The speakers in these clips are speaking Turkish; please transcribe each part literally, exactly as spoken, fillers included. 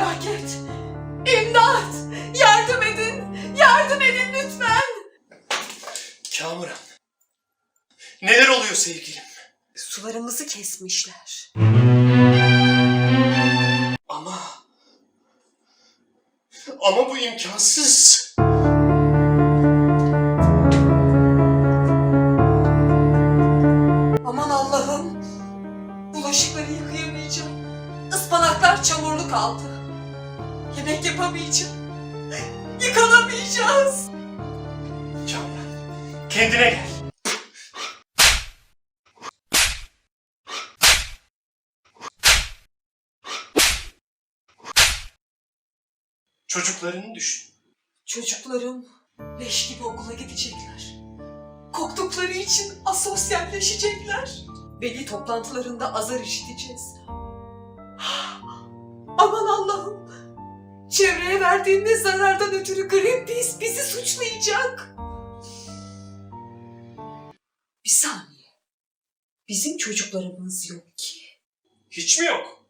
Felaket! İmdat! Yardım edin! Yardım edin lütfen! Kamuran. Neler oluyor sevgilim? Sularımızı kesmişler. Ama... Ama bu imkansız. Aman Allah'ım! Bulaşıkları yıkayamayacağım. Ispanaklar çamurlu kaldı. Yemek yapamayacağım. Yıkanamayacağız. Kamuran, kendine gel. Çocuklarını düşün. Çocuklarım leş gibi okula gidecekler. Koktukları için asosyalleşecekler. Veli toplantılarında azar işiteceğiz. Aman Allah'ım! Çevreye verdiğimiz zarardan ötürü Greenpeace bizi suçlayacak. Bir saniye. Bizim çocuklarımız yok ki. Hiç mi yok?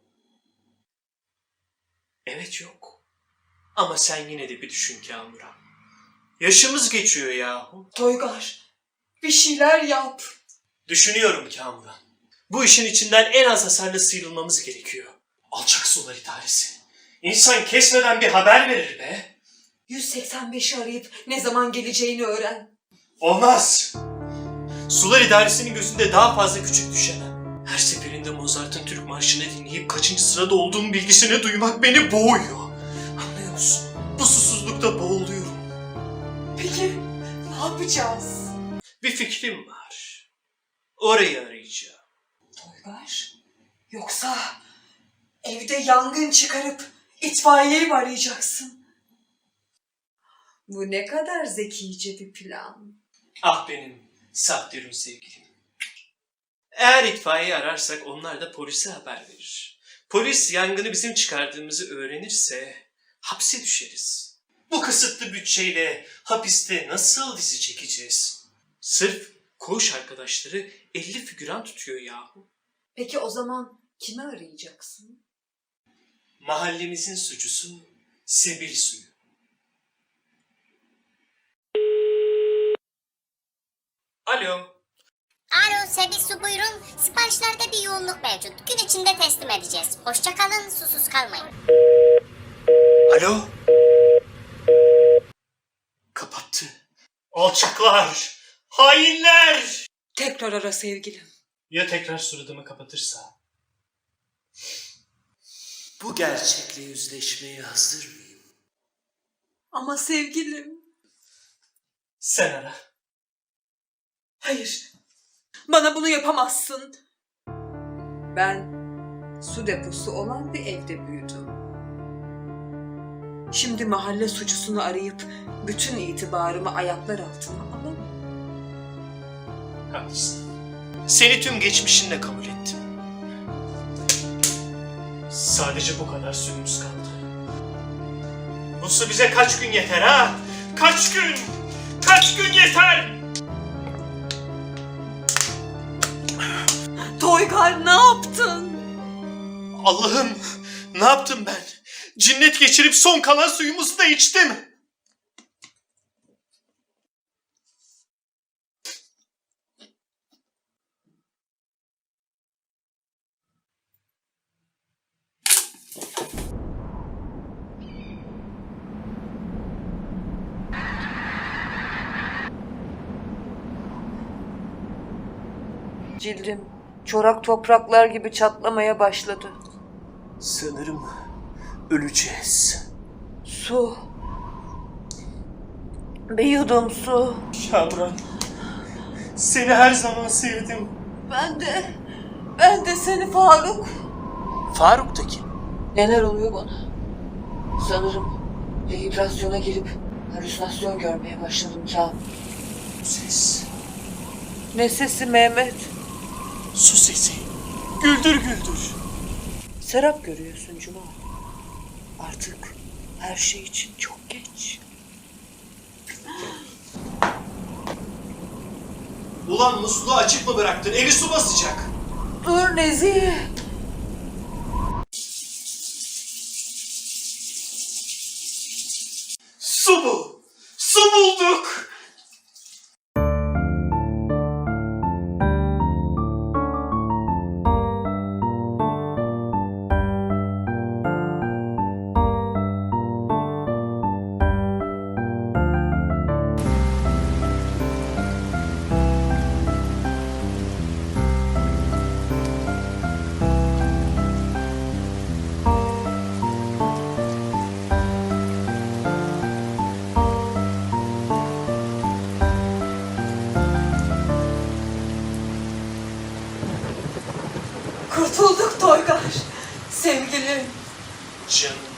Evet yok. Ama sen yine de bir düşün Kamuran. Yaşımız geçiyor yahu. Toygar, bir şeyler yap. Düşünüyorum Kamuran. Bu işin içinden en az hasarla sıyrılmamız gerekiyor. Alçak sular idaresi. İnsan kesmeden bir haber verir be. yüz seksen beşi arayıp ne zaman geleceğini öğren. Olmaz. Sular idaresinin gözünde daha fazla küçük düşemem. Her seferinde Mozart'ın Türk Marşı'nı dinleyip kaçıncı sırada olduğum bilgisini duymak beni boğuyor. Anlıyor musun? Bu susuzlukta boğuluyorum. Peki ne yapacağız? Bir fikrim var. Orayı arayacağım. Toygar, yoksa evde yangın çıkarıp itfaiyeyi mi arayacaksın? Bu ne kadar zekice bir plan. Ah benim Sahtürün sevgilim. Eğer itfaiye ararsak onlar da polise haber verir. Polis yangını bizim çıkardığımızı öğrenirse hapse düşeriz. Bu kısıtlı bütçeyle hapiste nasıl dizi çekeceğiz? Sırf koğuş arkadaşları elli figüran tutuyor yahu. Peki o zaman kimi arayacaksın? Mahallemizin suçusu Sebil Suyu. Alo. Alo Sebil Su buyurun. Siparişlerde bir yoğunluk mevcut. Gün içinde teslim edeceğiz. Hoşça kalın, susuz kalmayın. Alo. Kapattı. Alçaklar! Hainler! Tekrar ara sevgilim. Ya tekrar suratımı kapatırsa? Bu gerçekle yüzleşmeye hazır mıyım? Ama sevgilim. Sen ara. Hayır. Bana bunu yapamazsın. Ben su deposu olan bir evde büyüdüm. Şimdi mahalle suçlusunu arayıp bütün itibarımı ayaklar altına alamam. Haklısın. Seni tüm geçmişinle kabul ettim. Sadece bu kadar suyumuz kaldı. Bu su bize kaç gün yeter ha? Kaç gün? Kaç gün yeter? Toygar ne yaptın? Allah'ım, ne yaptım ben? Cinnet geçirip son kalan suyumuzu da içtim. Cildim çorak topraklar gibi çatlamaya başladı. Sanırım öleceğiz. Su. Bir yudum su. Kamuran, seni her zaman sevdim. Ben de, ben de seni Faruk. Faruk da kim? Neler oluyor bana? Sanırım dehidrasyona girip halüsinasyon görmeye başladım Kamil. Ses. Ne sesi Mehmet? Su sesi. Güldür güldür. Serap görüyorsun Cuma. Artık her şey için çok geç. Ulan musluğu açık mı bıraktın? Evi su basacak. Dur Nezih. Su bu. Su bulduk. Kurtulduk Toygar. Sevgilim. Canım.